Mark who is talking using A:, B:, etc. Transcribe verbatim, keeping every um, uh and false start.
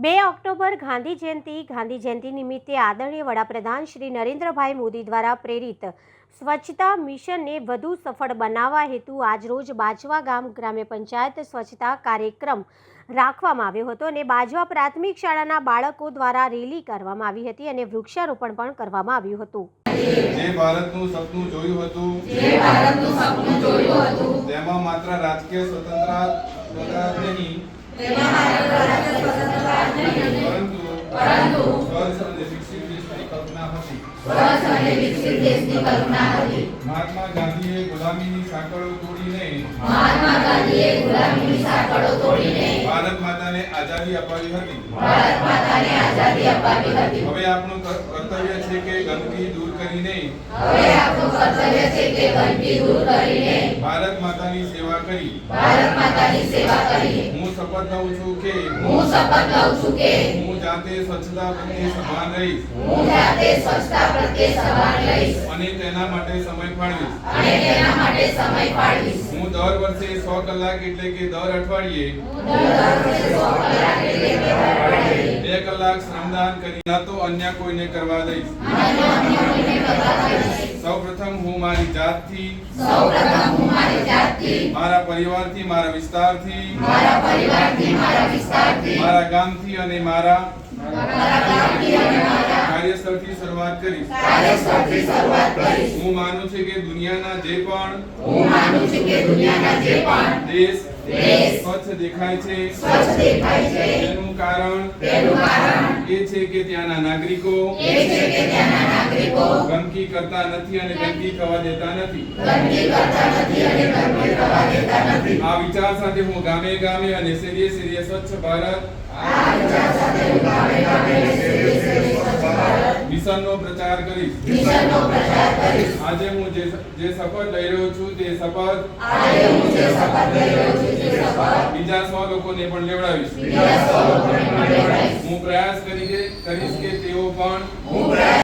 A: બે ઓક્ટોબર ગાંધી જયંતિ ગાંધી જયંતિ નિમિત્તે આદરણીય વડાપ્રધાન શ્રી નરેન્દ્રભાઈ મોદી દ્વારા પ્રેરિત સ્વચ્છતા મિશનને વધુ સફળ બનાવવા હેતુ આજરોજ બાજવા ગામ ગ્રામ્ય પંચાયત સ્વચ્છતા કાર્યક્રમ રાખવામાં આવ્યો હતો અને બાજવા પ્રાથમિક શાળાના બાળકો દ્વારા રેલી કરવામાં આવી હતી અને વૃક્ષારોપણ પણ કરવામાં આવ્યું હતું।
B: જે ભારતનું સપનું જોયું હતું
C: જે ભારતનું સપનું જોયું હતું
B: તેમાં માત્ર રાજકીય સ્વતંત્રતા નહીં
C: તેમાં માત્ર રાજકીય સ્વતંત્રતા નહીં
B: પરંતુ
C: પરંતુ
B: સ્વચ્છ અને વિકસિત દેશની કલ્પના હતી।
C: સ્વચ્છ અને વિકસિત દેશની કલ્પના હતી।
B: મહાત્મા ગાંધીએ ગુલામીની સાંકળો તોડીને
C: મહાત્મા ગાંધીએ ગુલામીની સાંકળો તોડીને
B: ભારત માતાને આઝાદી અપાવી હતી।
C: ભારત માતાને આઝાદી અપાવી હતી।
B: હવે આપણું કર્તવ્ય છે કે ગંદકી દૂર કરીને
C: હવે આપણું કર્તવ્ય છે કે ગંદકી દૂર કરીને
B: ભારત માતાની સેવા કરી
C: ભારત માતાની સેવા કરીએ।
B: હું શપથ લઉં છું કે
C: હું શપથ લઉં છું કે
B: હું જાતે સ્વચ્છતા પ્રત્યે સભાન રહીશ
C: હું જાતે સ્વચ્છતા પ્રત્યે સભાન રહીશ
B: અને તેના માટે સમય ફાળવીશ।
C: અને તેના માટે સમય ફાળવીશ।
B: હું દર વર્ષે સો કલાક એટલે કે દર અઠવાડિયે
C: દર વર્ષે સો કલાક એટલે કે દર અઠવાડિયે
B: બે કલાક શ્રમદાન કરી ન તો અન્ય કોઈને કરવા દઈશ।
C: અને અન્ય કોઈને કરવા દઈશ।
B: સૌપ્રથમ હું મારી જાતથી
C: સૌપ્રથમ હું મારી જાતથી
B: મારા પરિવારથી મારા વિસ્તારથી
C: મારા પરિવારથી મારા વિસ્તારથી
B: મારા ગામથી અને મારા
C: મારા ગામથી અને મારા
B: કાર્યસ્થળથી શરૂઆત કરીશ।
C: કાર્યસ્થળથી શરૂઆત કરીશ।
B: હું માનું છું કે દુનિયાના જે પણ
C: હું માનું છું કે દુનિયાના જે પણ
B: દેશ
C: દેશ
B: સ્વચ્છ દેખાય છે
C: સ્વચ્છ દેખાય છે
B: તેનું કારણ
C: તેનું કારણ
B: એ છે કે ત્યાંના નાગરિકો
C: એ છે કે ત્યાંના નાગરિકો
B: ગંદકી કરતા નથી અને ગંદકી થવા દેતા નથી।
C: ગંદકી કરતા નથી અને ગંદકી થવા દેતા નથી।
B: આ વિચાર સાથે હું ગામે ગામે અને શેરીએ શેરીએ સ્વચ્છ ભારત
C: આ વિચાર સાથે હું ગામે ગામે અને શેરીએ શેરીએ સ્વચ્છ ભારત
B: મિશનનો પ્રચાર કરીશ।
C: મિશનનો પ્રચાર કરીશ।
B: આજે હું જે જે શપથ લઈ રહ્યો છું તે શપથ
C: આજે હું જે શપથ લઈ રહ્યો છું તે શપથ
B: બીજા સો લોકોને પણ લેવડાવીશ।
C: બીજા સૌ લોકોને પણ લેવડાવીશ।
B: હું પ્રયાસ કરી કે કરીશ કે તેઓ પણ
C: હું પ્રયાસ